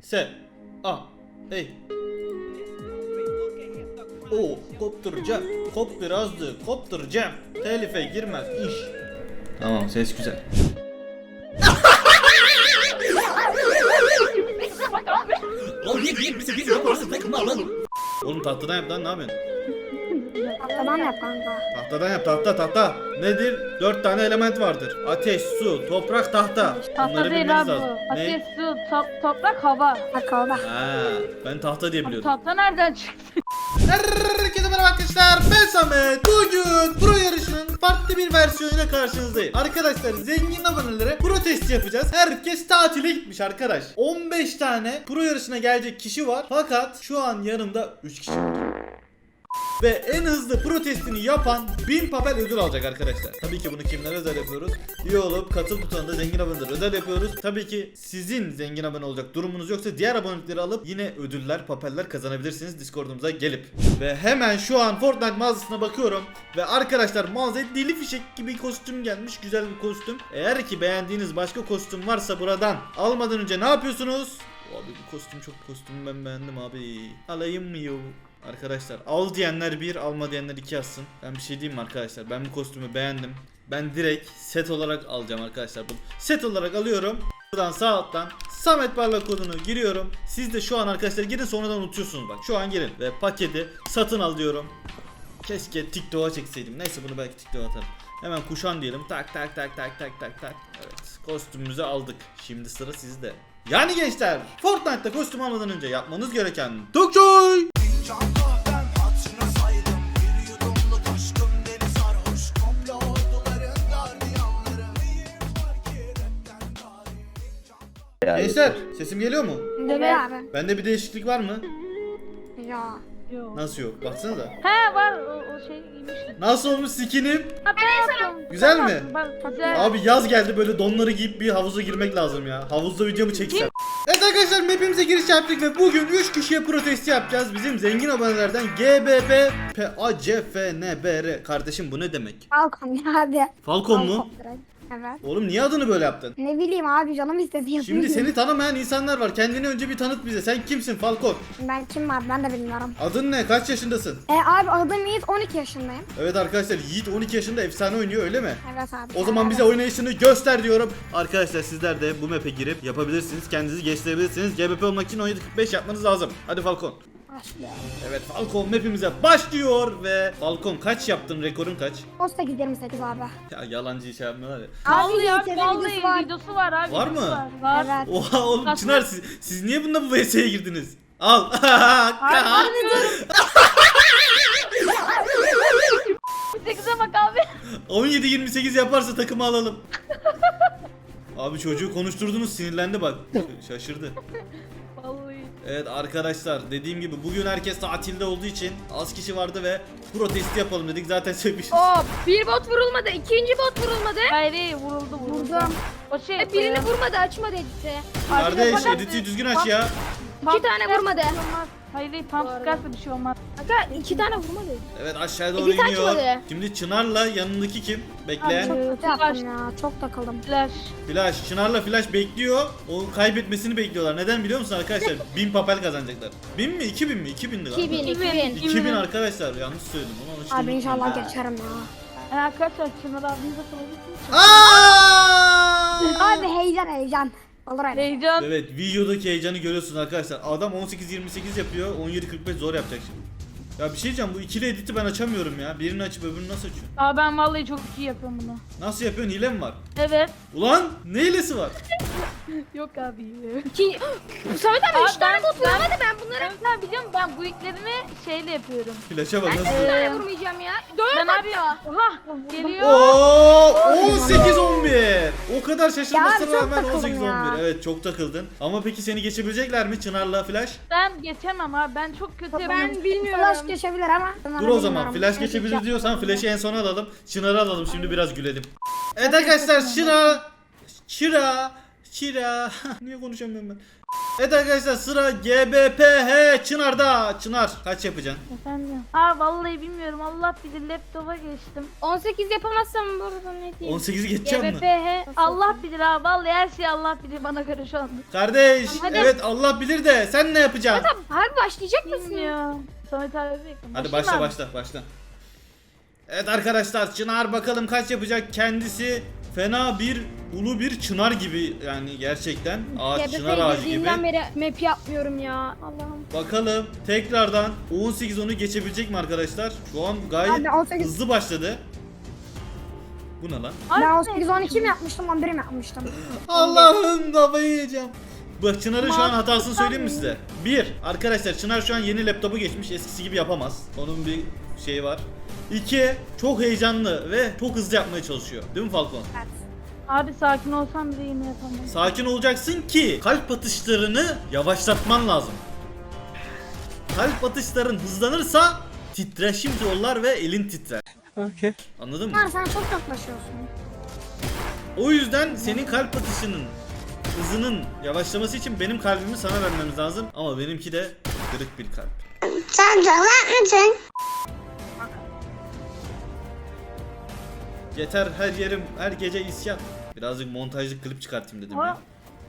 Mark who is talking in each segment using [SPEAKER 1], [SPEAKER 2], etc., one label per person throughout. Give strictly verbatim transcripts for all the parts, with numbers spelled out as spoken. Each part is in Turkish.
[SPEAKER 1] Se. A. Ey. Oo, kopturacağım. Kop birazdı. Kopturacağım. Telife girmez iş. Tamam, ses güzel. Oğlum tahtadan yap lan, ne yapıyorsun?
[SPEAKER 2] Tahtadan yap kanka.
[SPEAKER 1] Tahtadan yap, tahta tahta. Nedir? Dört tane element vardır. Ateş, su, toprak, tahta.
[SPEAKER 3] Tahta
[SPEAKER 1] Bunları
[SPEAKER 3] değil
[SPEAKER 1] bilmeniz
[SPEAKER 3] abi
[SPEAKER 1] lazım.
[SPEAKER 3] bu.
[SPEAKER 1] Ne?
[SPEAKER 3] Ateş, su, top, toprak, hava.
[SPEAKER 2] Bak orada.
[SPEAKER 1] Ha, ben tahta diye biliyordum.
[SPEAKER 3] Tahta nereden çıktı?
[SPEAKER 1] Herkese merhaba arkadaşlar, ben Samet. Bugün pro yarışının farklı bir versiyonuyla karşınızdayım. Arkadaşlar, zengin abonelere pro testi yapacağız. Herkes tatile gitmiş arkadaş. on beş tane pro yarışına gelecek kişi var. Fakat şu an yanımda üç kişi var. Ve en hızlı pro testini yapan bin papel ödül alacak arkadaşlar. Tabii ki bunu kimlere özel yapıyoruz? İyi olup katıl butonunda zengin abonelere özel yapıyoruz. Tabii ki sizin zengin abone olacak durumunuz yoksa diğer abonelikleri alıp yine ödüller, papeller kazanabilirsiniz Discord'umuza gelip. Ve hemen şu an Fortnite mağazasına bakıyorum. Ve arkadaşlar mağazaya deli fişek gibi kostüm gelmiş. Güzel bir kostüm. Eğer ki beğendiğiniz başka kostüm varsa buradan almadan önce ne yapıyorsunuz? Abi bu kostüm çok kostüm, ben beğendim abi. Alayım mı yo? Arkadaşlar al diyenler bir, alma diyenler iki yazsın. Ben bir şey diyeyim mi arkadaşlar? Ben bu kostümü beğendim. Ben direkt set olarak alacağım arkadaşlar. Bunu set olarak alıyorum. Buradan sağ alttan Samet Parlak kodunu giriyorum. Siz de şu an arkadaşlar girin, sonradan unutuyorsunuz bak. Şu an girin ve paketi satın al diyorum. Keşke TikTok'a çekseydim. Neyse, bunu belki TikTok'a atarım. Hemen kuşan diyelim. Tak tak tak tak tak tak tak. Evet, kostümümüzü aldık. Şimdi sıra sizde. Yani gençler, Fortnite'ta kostüm almadan önce yapmanız gereken Dokçoy! Gençler, sesim geliyor mu?
[SPEAKER 2] Deme abi.
[SPEAKER 1] Bende bir değişiklik var mı?
[SPEAKER 2] Ya.
[SPEAKER 3] Yok.
[SPEAKER 1] Nasıl yok? Baksanıza.
[SPEAKER 3] He var, o, o şey giymiştim.
[SPEAKER 1] Nasıl olmuş skinim?
[SPEAKER 3] Ha ben yaptım.
[SPEAKER 1] Güzel
[SPEAKER 3] Tamam,
[SPEAKER 1] mi?
[SPEAKER 3] bak, güzel.
[SPEAKER 1] Abi yaz geldi, böyle donları giyip bir havuza girmek lazım ya. Havuzda videomu çeksem. Evet arkadaşlar, map'imize giriş yaptık ve bugün üç kişiye protesti yapacağız. Bizim zengin abonelerden G B B P A C F N B R. Kardeşim bu ne demek?
[SPEAKER 2] Falcon ya hadi.
[SPEAKER 1] Falcon mu?
[SPEAKER 2] direkt. Evet.
[SPEAKER 1] Oğlum niye adını böyle yaptın?
[SPEAKER 2] Ne bileyim abi, canım istedi yapayım.
[SPEAKER 1] Şimdi seni tanımayan insanlar var. Kendini önce bir tanıt bize. Sen kimsin Falcon?
[SPEAKER 2] Ben kim abi, ben de bilmiyorum.
[SPEAKER 1] Adın ne? Kaç yaşındasın?
[SPEAKER 2] E abi adım Yiğit, on iki yaşındayım.
[SPEAKER 1] Evet arkadaşlar, Yiğit on iki yaşında efsane oynuyor, öyle mi?
[SPEAKER 2] Evet abi.
[SPEAKER 1] O zaman
[SPEAKER 2] evet.
[SPEAKER 1] bize oynayışını göster diyorum. Arkadaşlar sizler de bu map'e girip yapabilirsiniz. Kendinizi geliştirebilirsiniz. G B P olmak için on yedi kırk beş yapmanız lazım. Hadi Falcon.
[SPEAKER 2] Başlıyor.
[SPEAKER 1] Evet, Falcon map'imize başlıyor ve Falcon kaç yaptın? Rekorun kaç?
[SPEAKER 2] on sekiz yirmi sekiz abi.
[SPEAKER 1] Ya yalancı şey yapmıyorlar ya.
[SPEAKER 2] Abi
[SPEAKER 3] Vallahi
[SPEAKER 2] Yiğit'in
[SPEAKER 3] vallahi
[SPEAKER 2] videosu var.
[SPEAKER 3] videosu var abi.
[SPEAKER 1] Var
[SPEAKER 3] videosu
[SPEAKER 1] mı?
[SPEAKER 3] Var. var.
[SPEAKER 2] Evet.
[SPEAKER 1] Oha oğlum,
[SPEAKER 3] Nasıl?
[SPEAKER 1] Çınar siz, siz niye bununla bu V S'ye girdiniz? Al.
[SPEAKER 3] Hayır, sekize bak abi.
[SPEAKER 1] on yedi yirmi sekiz yaparsa takımı alalım. Abi çocuğu konuşturdunuz, sinirlendi bak. Şaşırdı.
[SPEAKER 3] Vallahi.
[SPEAKER 1] Evet arkadaşlar, dediğim gibi bugün herkes tatilde olduğu için az kişi vardı ve protesti yapalım dedik. Zaten söylemişiz.
[SPEAKER 4] Hop, bir bot vurulmadı, ikinci bot vurulmadı.
[SPEAKER 3] Hayır hayır, vuruldu vuruldu.
[SPEAKER 2] Vurdum.
[SPEAKER 3] O şey
[SPEAKER 4] E, birini vurmadı, açmadı editi.
[SPEAKER 1] Kardeş,
[SPEAKER 3] Fakat-
[SPEAKER 1] editi düzgün aç ya.
[SPEAKER 4] İki tane vurmadı.
[SPEAKER 3] Hayır hayır, tam sıkarsa bir şey olmaz.
[SPEAKER 4] Kanka iki tane vurmadı.
[SPEAKER 1] Evet, aşağıya doğru
[SPEAKER 4] Edit
[SPEAKER 1] iniyor.
[SPEAKER 4] açmadı.
[SPEAKER 1] Şimdi Çınar'la yanındaki kim? Bekle.
[SPEAKER 3] Abi.
[SPEAKER 2] Çok
[SPEAKER 3] Ee,
[SPEAKER 2] kötü
[SPEAKER 3] flash.
[SPEAKER 2] yaptım ya, çok takıldım.
[SPEAKER 3] Flash.
[SPEAKER 1] Flash. Çınar'la Flash bekliyor. O kaybetmesini bekliyorlar. Neden biliyor musun arkadaşlar? bin papel kazanacaklar. bin mi? iki bin mi? iki bindi galiba.
[SPEAKER 4] iki bin, iki bin.
[SPEAKER 1] iki bin arkadaşlar. Yanlış söyledim. Onu alıştım.
[SPEAKER 2] Abi inşallah geçerim ya.
[SPEAKER 3] Yani arkadaşlar Çınar abimize sorabilirsiniz.
[SPEAKER 1] Aa!
[SPEAKER 2] Abi heyecan heyecan. Olur öyle.
[SPEAKER 3] Heyecan.
[SPEAKER 1] Evet, videodaki heyecanı görüyorsunuz arkadaşlar. Adam on sekiz yirmi sekiz yapıyor. on yedi kırk beş zor yapacak şimdi. Ya bir şey diyeceğim, bu ikili editi ben açamıyorum ya. Birini açıp öbürünü nasıl açıyorum?
[SPEAKER 3] Abi ben vallahi çok iyi yapıyorum bunu.
[SPEAKER 1] Nasıl yapıyorsun? Hile mi var?
[SPEAKER 3] Evet.
[SPEAKER 1] Ulan ne hilesi var?
[SPEAKER 3] Yok abi.
[SPEAKER 4] İki... Samet abi
[SPEAKER 3] Abi
[SPEAKER 4] üç tane
[SPEAKER 3] ben-
[SPEAKER 4] bot vuramadı, ben bunları...
[SPEAKER 3] Ben sen biliyorum, ben bu ilklerini şeyle yapıyorum.
[SPEAKER 1] Flash'a bak
[SPEAKER 4] Ben
[SPEAKER 1] nasıl?
[SPEAKER 4] üç tane
[SPEAKER 3] Ee,
[SPEAKER 4] vurmayacağım ya. Dört
[SPEAKER 3] Ben abi
[SPEAKER 4] hatta.
[SPEAKER 3] oha geliyor.
[SPEAKER 1] Oo, on sekiz on bir. O kadar
[SPEAKER 2] Ya
[SPEAKER 1] şaşırmasına
[SPEAKER 2] abi çok
[SPEAKER 1] rağmen
[SPEAKER 2] takıldım
[SPEAKER 1] on sekiz
[SPEAKER 2] ya.
[SPEAKER 1] on bir. Evet, çok takıldın. Ama peki seni geçebilecekler mi Çınar'la Flash?
[SPEAKER 3] Ben geçemem abi, ben çok kötü yapıyorum.
[SPEAKER 4] Ben bilmiyorum.
[SPEAKER 2] Flash geçebilir ama.
[SPEAKER 1] Dur o zaman, Flash geçebilir diyorsan Flash'ı en sona alalım. Çınar'ı alalım, şimdi biraz gülelim. Evet arkadaşlar, Çınar, Çıra, Çira. Niye konuşamıyorum ben? Evet arkadaşlar sıra G B P H Çınar'da. Çınar kaç yapacaksın?
[SPEAKER 3] Efendim. Aa vallahi bilmiyorum. Allah bilir laptopa geçtim.
[SPEAKER 4] on sekiz yapamazsam burada ne diyeyim?
[SPEAKER 1] on sekizi geçeceğim mi?
[SPEAKER 4] G B P H.
[SPEAKER 3] Allah bilir abi. Vallahi her şey Allah bilir bana göre şu anda.
[SPEAKER 1] Kardeş
[SPEAKER 4] Hadi.
[SPEAKER 1] evet Allah bilir de sen ne yapacaksın?
[SPEAKER 4] Tamam harbi başlayacak mısın?
[SPEAKER 3] Bilmiyorum. Samet abi bekle.
[SPEAKER 1] Hadi
[SPEAKER 3] Başlayayım
[SPEAKER 1] başla
[SPEAKER 3] abi.
[SPEAKER 1] başla başla. Evet arkadaşlar Çınar bakalım kaç yapacak kendisi fena bir ulu bir çınar gibi yani gerçekten ağaç çınar ağacı gibi.
[SPEAKER 4] girdiğimden beri map yapmıyorum ya. Allah'ım.
[SPEAKER 1] Bakalım tekrardan on sekiz onu geçebilecek mi arkadaşlar? Şu an gayet
[SPEAKER 2] Abi on sekiz
[SPEAKER 1] hızlı başladı. Bu ne lan?
[SPEAKER 3] Ay,
[SPEAKER 2] Ben
[SPEAKER 3] ne?
[SPEAKER 2] on sekiz on iki mi yapmıştım on bir mi yapmıştım?
[SPEAKER 1] Allah'ım kafayı yiyeceğim. Bak Çınar'ın şu an hatasını
[SPEAKER 3] Mantıklı
[SPEAKER 1] söyleyeyim mi
[SPEAKER 3] mı?
[SPEAKER 1] size? Bir, arkadaşlar Çınar şu an yeni laptopu geçmiş. Eskisi gibi yapamaz. Onun bir şeyi var. İki, çok heyecanlı ve çok hızlı yapmaya çalışıyor. Değil mi Falcon?
[SPEAKER 2] Evet.
[SPEAKER 3] Abi sakin olsam bile yine yapamam.
[SPEAKER 1] Sakin olacaksın ki kalp atışlarını yavaşlatman lazım. Kalp atışların hızlanırsa titreşim yollar ve elin titrer.
[SPEAKER 5] Okay.
[SPEAKER 1] Anladın mı?
[SPEAKER 2] Bunlar sen çok yaklaşıyorsun.
[SPEAKER 1] O yüzden senin kalp atışının hızının yavaşlaması için benim kalbimi sana vermemiz lazım. Ama benimki de kırık bir kalp.
[SPEAKER 2] Sen çalak mısın?
[SPEAKER 1] Yeter her yerim her gece isyan. Birazcık montajlı klip çıkartayım dedim ya.
[SPEAKER 3] Aa.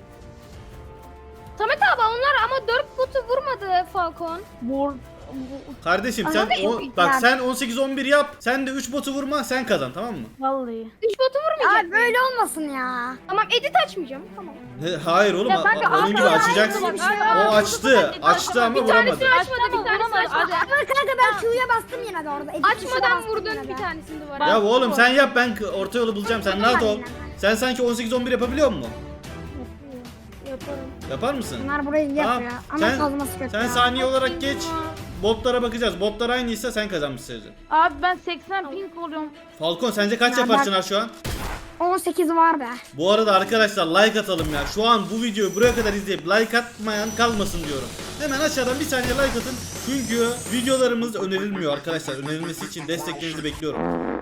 [SPEAKER 4] Samet abi onlar ama dört botu vurmadı Falcon.
[SPEAKER 3] Mor.
[SPEAKER 1] Kardeşim sen
[SPEAKER 2] Anladın
[SPEAKER 1] o,
[SPEAKER 2] mı?
[SPEAKER 1] bak
[SPEAKER 2] Yani-
[SPEAKER 1] sen on sekiz on bir yap. Sen de üç botu vurma sen kazan tamam mı?
[SPEAKER 3] Vallahi.
[SPEAKER 4] üç botu vurmayacak.
[SPEAKER 2] Ya böyle olmasın ya.
[SPEAKER 4] Tamam edit açmayacağım. Tamam.
[SPEAKER 1] Ne, hayır oğlum
[SPEAKER 3] Ya
[SPEAKER 1] a-
[SPEAKER 3] kanka,
[SPEAKER 1] a- onun
[SPEAKER 3] abi,
[SPEAKER 1] gibi
[SPEAKER 3] abi,
[SPEAKER 1] açacaksın.
[SPEAKER 2] abi,
[SPEAKER 1] O
[SPEAKER 2] abi,
[SPEAKER 1] açtı. Açtı ama
[SPEAKER 4] Bir
[SPEAKER 1] vuramadı.
[SPEAKER 4] tanesini açmadı, bir tanesini
[SPEAKER 3] Vuramadı.
[SPEAKER 4] açmadı.
[SPEAKER 3] Hadi.
[SPEAKER 2] Ama kanka ben Q'ya bastım yine de orada. Edit tuşuna
[SPEAKER 4] Açmadan
[SPEAKER 2] bastım yine
[SPEAKER 4] vurdun
[SPEAKER 2] de.
[SPEAKER 4] bir tanesini duvara.
[SPEAKER 1] Ya oğlum sen yap ben k- orta yolu bulacağım sen rahat ol.
[SPEAKER 2] Aynen.
[SPEAKER 1] Sen sanki on sekiz on bir yapabiliyor musun?
[SPEAKER 4] Yaparım.
[SPEAKER 1] Yapar mısın?
[SPEAKER 2] Bunlar burayı
[SPEAKER 1] Tamam.
[SPEAKER 2] yapıyor. Ama
[SPEAKER 1] Sen-
[SPEAKER 2] kazması kötü
[SPEAKER 1] Sen
[SPEAKER 2] ya.
[SPEAKER 1] saniye olarak geç. Botlara bakacağız. Botlar aynıysa sen kazanmışsın.
[SPEAKER 3] Abi ben seksen ping oluyorum.
[SPEAKER 1] Falcon sence kaç
[SPEAKER 2] Ya
[SPEAKER 1] yapar
[SPEAKER 2] bak-
[SPEAKER 1] Çınar şu an?
[SPEAKER 2] on sekiz var be.
[SPEAKER 1] Bu arada arkadaşlar like atalım ya. Şu an bu videoyu buraya kadar izleyip like atmayan kalmasın diyorum. Hemen aşağıdan bir saniye like atın. Çünkü videolarımız önerilmiyor arkadaşlar. Önerilmesi için desteklerinizi bekliyorum.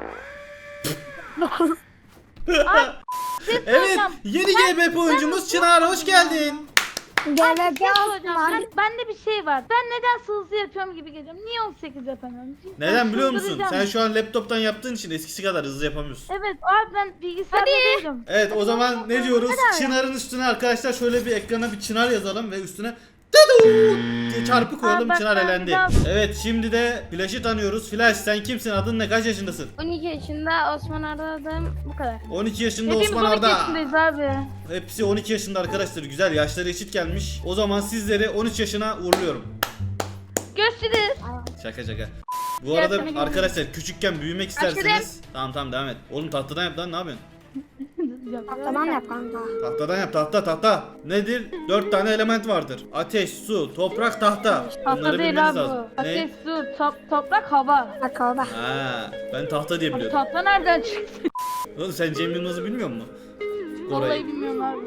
[SPEAKER 1] Evet, yeni G B P oyuncumuz Çınar hoş geldin.
[SPEAKER 2] G B P
[SPEAKER 3] Şey
[SPEAKER 2] var.
[SPEAKER 3] soracağım. Ben, bende bir şey var. Ben neden hızlı yapıyorum gibi geliyorum. Niye on sekiz yapamıyorum? Ben
[SPEAKER 1] Neden biliyor musun?
[SPEAKER 3] çıldıracağım.
[SPEAKER 1] Sen şu an laptoptan yaptığın için eskisi kadar hızlı yapamıyorsun.
[SPEAKER 3] Evet abi ben bilgisayarda değilim.
[SPEAKER 1] Evet o zaman ne diyoruz? Çınar'ın üstüne arkadaşlar şöyle bir ekrana bir Çınar yazalım ve üstüne Tudu diye çarpı koyalım.
[SPEAKER 3] Aa, bak,
[SPEAKER 1] Çınar
[SPEAKER 3] ben
[SPEAKER 1] elendi.
[SPEAKER 3] bir daha-
[SPEAKER 1] Evet şimdi de Flash'ı tanıyoruz. Flash sen kimsin? Adın ne? Kaç yaşındasın?
[SPEAKER 4] on iki yaşında Osman aradım bu kadar.
[SPEAKER 1] on iki yaşında
[SPEAKER 3] Hepimiz
[SPEAKER 1] Osman
[SPEAKER 3] on iki
[SPEAKER 1] Arda.
[SPEAKER 3] yaşındayız abi.
[SPEAKER 1] Hepsi on iki yaşında arkadaşlar. Güzel yaşları eşit gelmiş. O zaman sizleri on üç yaşına uğurluyorum.
[SPEAKER 3] Görüşürüz.
[SPEAKER 1] Şaka şaka. Bu arada
[SPEAKER 3] Yaşlarına
[SPEAKER 1] arkadaşlar küçükken büyümek isterseniz tamam tamam devam et. Oğlum tahtadan yap lan ne yapıyorsun?
[SPEAKER 2] Tamam yap kanka.
[SPEAKER 1] Tahtadan yap tahta tahta. Nedir? Dört tane element vardır. Ateş, su, toprak, tahta.
[SPEAKER 3] Tahta
[SPEAKER 1] Bunları
[SPEAKER 3] değil
[SPEAKER 1] bilmeniz
[SPEAKER 3] abi
[SPEAKER 1] lazım.
[SPEAKER 3] bu.
[SPEAKER 1] Ne?
[SPEAKER 3] Ateş, su, top, toprak, hava.
[SPEAKER 2] Bak orada.
[SPEAKER 1] Ha, ben tahta diye
[SPEAKER 3] Abi
[SPEAKER 1] biliyorum.
[SPEAKER 3] tahta nereden çıktı?
[SPEAKER 1] Oğlum sen Cem Yılmaz'ı bilmiyor musun?
[SPEAKER 3] Vallahi
[SPEAKER 1] Orayı.
[SPEAKER 3] bilmiyorum abi.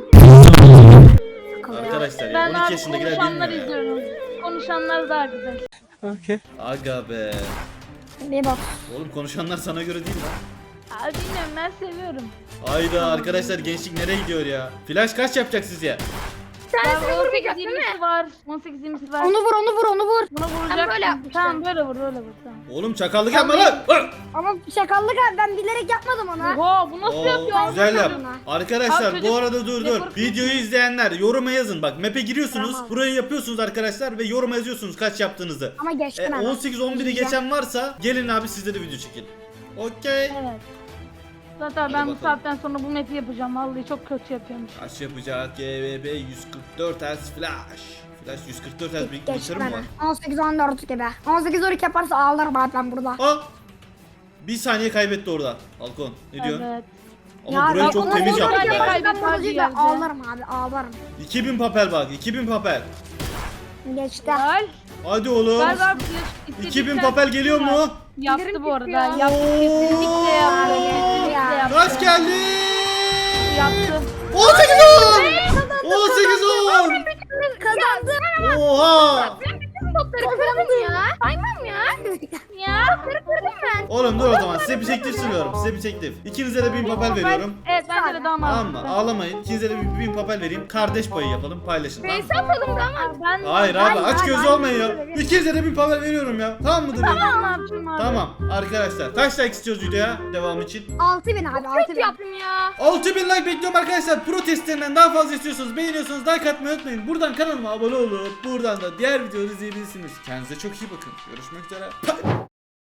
[SPEAKER 1] Arkadaşlar ya
[SPEAKER 3] Ben
[SPEAKER 1] on iki
[SPEAKER 3] abi
[SPEAKER 1] yaşındakiler
[SPEAKER 3] konuşanlar
[SPEAKER 1] bilmiyor ya.
[SPEAKER 3] izliyorum. Konuşanlar daha güzel.
[SPEAKER 5] Okay.
[SPEAKER 1] Aga be.
[SPEAKER 2] Bir bak.
[SPEAKER 1] Oğlum konuşanlar sana göre değil lan.
[SPEAKER 3] Abi bilmiyorum ben seviyorum.
[SPEAKER 1] Hayda arkadaşlar gençlik nereye gidiyor ya? Flash kaç yapacak sizce?
[SPEAKER 4] Tanesini
[SPEAKER 3] Abi on
[SPEAKER 4] vurmayacak
[SPEAKER 3] sekiz
[SPEAKER 4] değil mi?
[SPEAKER 3] yirmisi var. on sekiz yirmisi var.
[SPEAKER 2] Onu vur onu vur onu vur.
[SPEAKER 3] Buna vuracak.
[SPEAKER 4] böyle yapmışlar.
[SPEAKER 3] Tamam böyle vur böyle vur tamam.
[SPEAKER 1] Oğlum çakallık yapma lan. Lan!
[SPEAKER 2] Ama şakallık abi ben bilerek yapmadım onu.
[SPEAKER 3] Oha bu nasıl
[SPEAKER 1] Oo,
[SPEAKER 3] yapıyor?
[SPEAKER 1] güzel yap.
[SPEAKER 2] Buna.
[SPEAKER 1] Arkadaşlar
[SPEAKER 3] Abi
[SPEAKER 1] bu
[SPEAKER 3] çocuk-
[SPEAKER 1] arada dur dur.
[SPEAKER 3] Yapar-
[SPEAKER 1] Videoyu izleyenler yoruma yazın. Bak map'e giriyorsunuz.
[SPEAKER 2] Tamam.
[SPEAKER 1] Burayı yapıyorsunuz arkadaşlar ve yoruma yazıyorsunuz kaç yaptığınızı.
[SPEAKER 2] Ama geçtim
[SPEAKER 1] E,
[SPEAKER 2] hemen.
[SPEAKER 1] on sekiz on biri geçen varsa gelin abi sizde de video çekin. Okey.
[SPEAKER 3] Evet. Zaten
[SPEAKER 1] Hadi
[SPEAKER 3] ben bu
[SPEAKER 1] bakalım.
[SPEAKER 3] saatten sonra bu map'i yapacağım. Vallahi çok kötü yapıyormuş.
[SPEAKER 1] Kaç yapacak? G B B yüz kırk dört Hz flash. Flash yüz kırk dört Hz bir
[SPEAKER 2] Geçtim
[SPEAKER 1] bilgisayarım var.
[SPEAKER 2] hemen. on sekiz on dört gibi. on sekiz on iki yaparsa ağlarım abi ben burada.
[SPEAKER 1] Aa! Bir saniye kaybetti orada. Halkon. Ne diyorsun?
[SPEAKER 3] Evet.
[SPEAKER 1] Ama burayı
[SPEAKER 2] bak,
[SPEAKER 1] çok
[SPEAKER 2] on
[SPEAKER 1] temiz
[SPEAKER 2] sekiz on iki
[SPEAKER 1] yaptılar.
[SPEAKER 2] yaparsa ben
[SPEAKER 3] Kaybet
[SPEAKER 2] burada
[SPEAKER 3] abi
[SPEAKER 2] değil de
[SPEAKER 3] yerde.
[SPEAKER 2] ağlarım abi ağlarım.
[SPEAKER 1] iki bin papel bak. iki bin papel.
[SPEAKER 2] Geçti.
[SPEAKER 3] Gel.
[SPEAKER 1] Hadi oğlum.
[SPEAKER 3] Gel abi.
[SPEAKER 1] iki bin papel geliyor mu?
[SPEAKER 3] Yaptı bu arada.
[SPEAKER 4] çıkıyor.
[SPEAKER 3] Yaptı kesinlikle yaptı.
[SPEAKER 2] Oo.
[SPEAKER 3] Kesinlikle yaptı.
[SPEAKER 1] Kaç geldi?
[SPEAKER 3] Yaptı.
[SPEAKER 1] on sekiz on! on sekiz on!
[SPEAKER 2] Kazandım.
[SPEAKER 1] Oha!
[SPEAKER 4] Bütün botları kırdım ya. Saymam ya.
[SPEAKER 3] Ya.
[SPEAKER 4] Kırı kırdım ben.
[SPEAKER 1] Oğlum dur o zaman size bir teklif sunuyorum. Size bir teklif. İkinize de bin papel veriyorum.
[SPEAKER 3] Evet Bence de daha
[SPEAKER 1] Tamam mı?
[SPEAKER 3] mantıklı.
[SPEAKER 1] Ağlamayın. İkinize de bir bin papel vereyim. Kardeş payı yapalım. Paylaşın. Tamam mı?
[SPEAKER 4] Face atalım da ama.
[SPEAKER 3] Ben
[SPEAKER 1] Hayır abi
[SPEAKER 2] Hayır,
[SPEAKER 1] aç
[SPEAKER 2] hayır,
[SPEAKER 1] gözü
[SPEAKER 2] hayır.
[SPEAKER 1] olmayın ya. İkinize de bir papel veriyorum ya. Tamam mıdır benim?
[SPEAKER 3] Tamam abicim abi.
[SPEAKER 1] Tamam arkadaşlar. Kaç like istiyoruz videoya devam için?
[SPEAKER 2] altı bin abi altı
[SPEAKER 4] Kötü
[SPEAKER 2] bin.
[SPEAKER 4] yaptım ya.
[SPEAKER 1] altı bin like bekliyorum arkadaşlar. Pro testlerinden daha fazla istiyorsanız beğeniyorsanız like atmayı unutmayın. Buradan kanalıma abone olup buradan da diğer videoları izleyebilirsiniz. Kendinize çok iyi bakın. Görüşmek üzere. Bye.